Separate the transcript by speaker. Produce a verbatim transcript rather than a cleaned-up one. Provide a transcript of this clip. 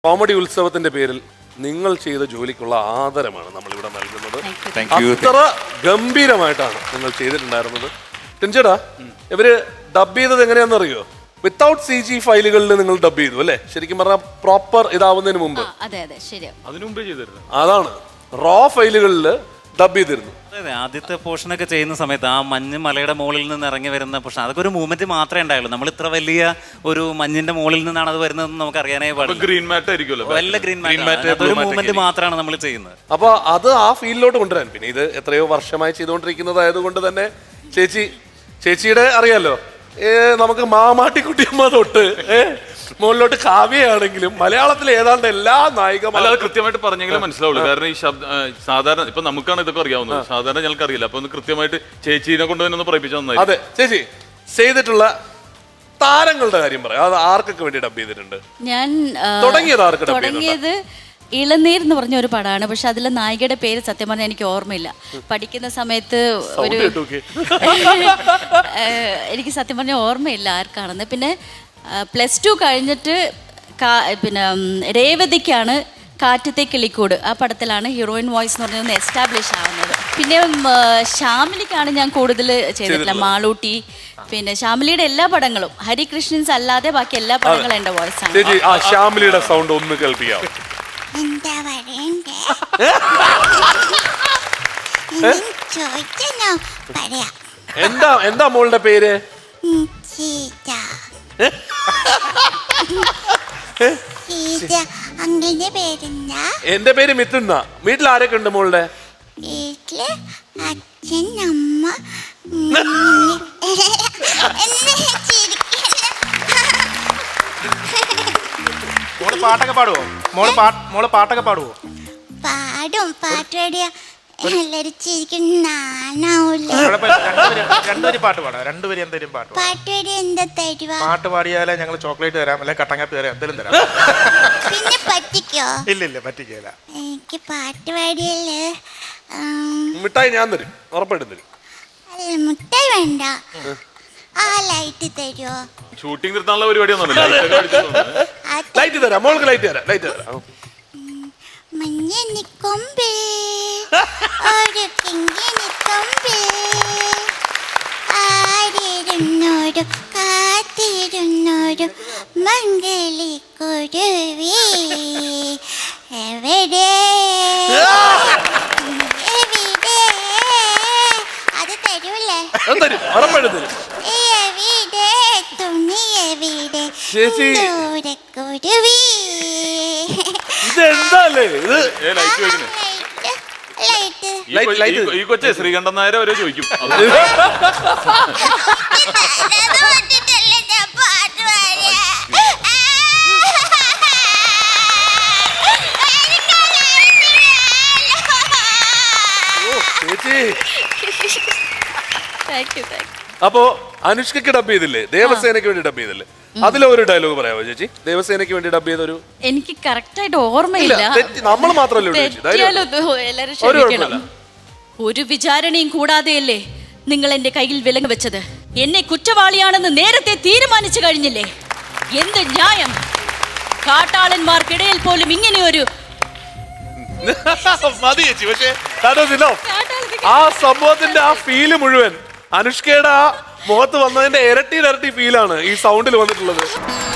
Speaker 1: Comedy ഉത്സവത്തിന്റെ പേരിൽ നിങ്ങൾ ചെയ്ത ജോലിക്കുള്ള ആദരമാണ് നമ്മൾ ഇവിടെ നൽകുന്നത്. അത്ര ഗംഭീരമായിട്ടാണ് നിങ്ങൾ ചെയ്തിട്ടുണ്ടായിരുന്നത്. ടിൻചേട്ടാ, ഇവര് ഡബ് ചെയ്തത് എങ്ങനെയാണെന്ന് അറിയോ? വിത്തൗട്ട് സി ജി ഫയലുകളിൽ നിങ്ങൾ ഡബ് ചെയ്തു അല്ലേ? ശരിക്കും പറഞ്ഞാൽ പ്രോപ്പർ ഇതാവുന്നതിന് മുമ്പ്.
Speaker 2: അതിനു മുമ്പേ ചെയ്തിരുന്നു.
Speaker 1: അതാണ് റോ ഫയലുകളിൽ ഡബ് ചെയ്തിരുന്നു.
Speaker 3: അതെ, ആദ്യത്തെ പോർഷനൊക്കെ ചെയ്യുന്ന സമയത്ത് ആ മഞ്ഞ് മലയുടെ മുകളിൽ നിന്ന് ഇറങ്ങി വരുന്ന പോർഷൻ, അതൊക്കെ ഒരു മൂവ്മെന്റ് മാത്രമേ ഉണ്ടായുള്ളൂ. നമ്മൾ ഇത്ര വലിയ ഒരു മഞ്ഞിന്റെ മുകളിൽ നിന്നാണ് അത് വരുന്നതെന്ന് നമുക്ക് അറിയാനേ പാടില്ല.
Speaker 2: ഗ്രീൻ മാറ്റ് ആയിരിക്കുമല്ലോ,
Speaker 3: വല്ല ഗ്രീൻ മാറ്റ്, ഒരു മൂവ്മെന്റ് മാത്രമാണ് നമ്മൾ ചെയ്യുന്നത്.
Speaker 1: അപ്പൊ അത് ആ ഫീൽഡിലോട്ട് കൊണ്ടുവരാൻ, പിന്നെ ഇത് എത്രയോ വർഷമായി ചെയ്തുകൊണ്ടിരിക്കുന്നതായതുകൊണ്ട് തന്നെ ചേച്ചി ചേച്ചിയുടെ അറിയാലോ, ഏ നമുക്ക് മാമാട്ടിക്കുട്ടിയമ്മ തൊട്ട് ഏ മുകളിലോട്ട് കാവ്യയാണെങ്കിലും മലയാളത്തിൽ ഏതാണ്ട് എല്ലാ നായികമാരും
Speaker 2: അത് കൃത്യമായിട്ട് പറഞ്ഞെങ്കിലും മനസ്സിലാവുള്ളൂ. കാരണം ഈ ശബ്ദ സാധാരണ ഇപ്പൊ നമുക്കാണ് ഇതൊക്കെ അറിയാവുന്നത്, സാധാരണ ഞങ്ങൾക്ക് അറിയില്ല. അപ്പൊ ഒന്ന് കൃത്യമായിട്ട് ചേച്ചീനെ കൊണ്ട് തന്നെ ഒന്ന് പറയിപ്പിച്ചു തന്നായി.
Speaker 1: അതെ ചേച്ചി ചെയ്തിട്ടുള്ള താരങ്ങളുടെ കാര്യം പറയാം. അത് ആർക്കൊക്കെ വേണ്ടി ഡബ് ചെയ്തിട്ടുണ്ട്?
Speaker 4: ഞാൻ
Speaker 1: തുടങ്ങിയത് ആർക്ക് ഡബ്
Speaker 4: തുടങ്ങിയത് ഇളനീർ എന്ന് പറഞ്ഞ ഒരു പടമാണ്. പക്ഷെ അതിലെ നായികയുടെ പേര് സത്യം പറഞ്ഞാൽ എനിക്ക് ഓർമ്മയില്ല. പഠിക്കുന്ന സമയത്ത് ഒരു എനിക്ക് സത്യം പറഞ്ഞാൽ ഓർമ്മയില്ല ആർക്കാണെന്ന്. പിന്നെ പ്ലസ് ടു കഴിഞ്ഞിട്ട് പിന്നെ രേവതിക്കാണ് കാറ്റത്തെ കിളിക്കൂട്, ആ പടത്തിലാണ് ഹീറോയിൻ വോയിസ് എന്ന് പറഞ്ഞൊന്ന് എസ്റ്റാബ്ലിഷ് ആവുന്നത്. പിന്നെ ശ്യാമിലിക്കാണ് ഞാൻ കൂടുതൽ ചെയ്തിട്ടില്ല, മാളൂട്ടി. പിന്നെ ശ്യാമിലിയുടെ എല്ലാ പടങ്ങളും, ഹരികൃഷ്ണൻസ് അല്ലാതെ ബാക്കി എല്ലാ പടങ്ങളും എന്റെ വോയിസ് ആണ്.
Speaker 1: ആ ശ്യാമിലിയുടെ സൗണ്ട് ഒന്ന് കേൾപ്പിക്കാം.
Speaker 5: എന്താ പറയണ്ടേ? ചോദിച്ചോ പറയാ.
Speaker 1: എന്താ എന്താ മോളുടെ പേര്?
Speaker 5: അങ്കിളിന്റെ പേരെന്താ?
Speaker 1: എന്റെ പേര് മിഥുന്ന. വീട്ടിൽ ആരൊക്കെ ഉണ്ട് മോളുടെ?
Speaker 5: വീട്ടില് അച്ഛൻ, അമ്മ.
Speaker 6: മോള് പാട്ടൊക്കെ പാടുവോ? മോള് പാ മോള് പാട്ടൊക്കെ പാടുവോ?
Speaker 5: പാടും. പാട്ട് പാടിയ എല്ലാരും ചിരിക്കും, നാണാവൂല്ലേ?
Speaker 6: രണ്ടുപേര് പാട്ട് പാടാം. രണ്ടുപേരും എന്തെങ്കിലും പാട്ട്
Speaker 5: പാട്ട് പാടിയ എന്താ തരുവാ?
Speaker 6: പാട്ട് പാടിയാലേ ഞങ്ങൾ ചോക്ലേറ്റ് തരാം, അല്ലെ കട്ടങ്ങാപ്പി തരാം, എന്തെങ്കിലും തരാം.
Speaker 5: പിന്നെ പറ്റിക്കോ?
Speaker 6: ഇല്ല ഇല്ല പറ്റിക്കല.
Speaker 5: എനിക്ക് പാട്ട് പാടിയല്ലേ
Speaker 1: മിഠായി ഞാൻ തരും, ഉറപ്പായിട്ടും തരും.
Speaker 5: അല്ല, മുട്ടായി വേണ്ട. ആ ലൈറ്റ് തരുമോ?
Speaker 2: ഷൂട്ടിംഗ് നിർത്താനുള്ള പരിപാടിയൊന്നും
Speaker 1: ലൈറ്റ് തരാം, മോൾക്ക് ലൈറ്റ് തരാം, ലൈറ്റ് തരാം.
Speaker 5: മഞ്ഞിനി കൊമ്പിൽ ഒരു കിങ്ങിനി കൊമ്പിൽ ആരിരുന്നോരു കാത്തിരുന്നോരു മംഗളി കുരുവി എവിടെ എവിടെ? അത് തരൂല്ലേ?
Speaker 1: തരും, ഉറപ്പായിട്ടും തരും.
Speaker 5: എവിടെ തുണി എവിടെ കുരുവി?
Speaker 1: ഇതെന്താല്ലേ ഇത്?
Speaker 2: ഈ കൊച്ചെ ശ്രീകണ്ഠൻ നായരെ വരെ ചോദിക്കും.
Speaker 1: അപ്പോ അനുഷ്കയ്ക്ക് ഡബ് ചെയ്തില്ലേ? ദേവസേനയ്ക്ക് വേണ്ടി ഡബ് ചെയ്തില്ലേ? അതിലെ ഒരു ഡയലോഗ് പറയാമോ ചേച്ചി? ദേവസേനയ്ക്ക് വേണ്ടി ഡബ് ചെയ്തൊരു.
Speaker 4: എനിക്ക് കറക്റ്റ് ആയിട്ട് ഓർമ്മയില്ല.
Speaker 1: നമ്മൾ മാത്രമല്ലേ
Speaker 4: എല്ലാരും ക്ഷമിക്കണം. ഒരു വിചാരണയും കൂടാതെയല്ലേ നിങ്ങൾ എന്റെ കയ്യിൽ വിലങ്ങ് വെച്ചത്? എന്നെ കുറ്റവാളിയാണെന്ന് നേരത്തെ തീരുമാനിച്ചു കഴിഞ്ഞില്ലേ? എന്ത് ന്യായം? കാട്ടാളന്മാർക്കിടയിൽ പോലും ഇങ്ങനെ ഒരു
Speaker 1: മതി ചേച്ചി. പക്ഷേ ആ സംഭവത്തിന്റെ ആ ഫീല് മുഴുവൻ അനുഷ്കയുടെ ആ മുഖത്ത് വന്നതിന്റെ ഇരട്ടി ഇരട്ടി ഫീലാണ് ഈ സൗണ്ടിൽ വന്നിട്ടുള്ളത്.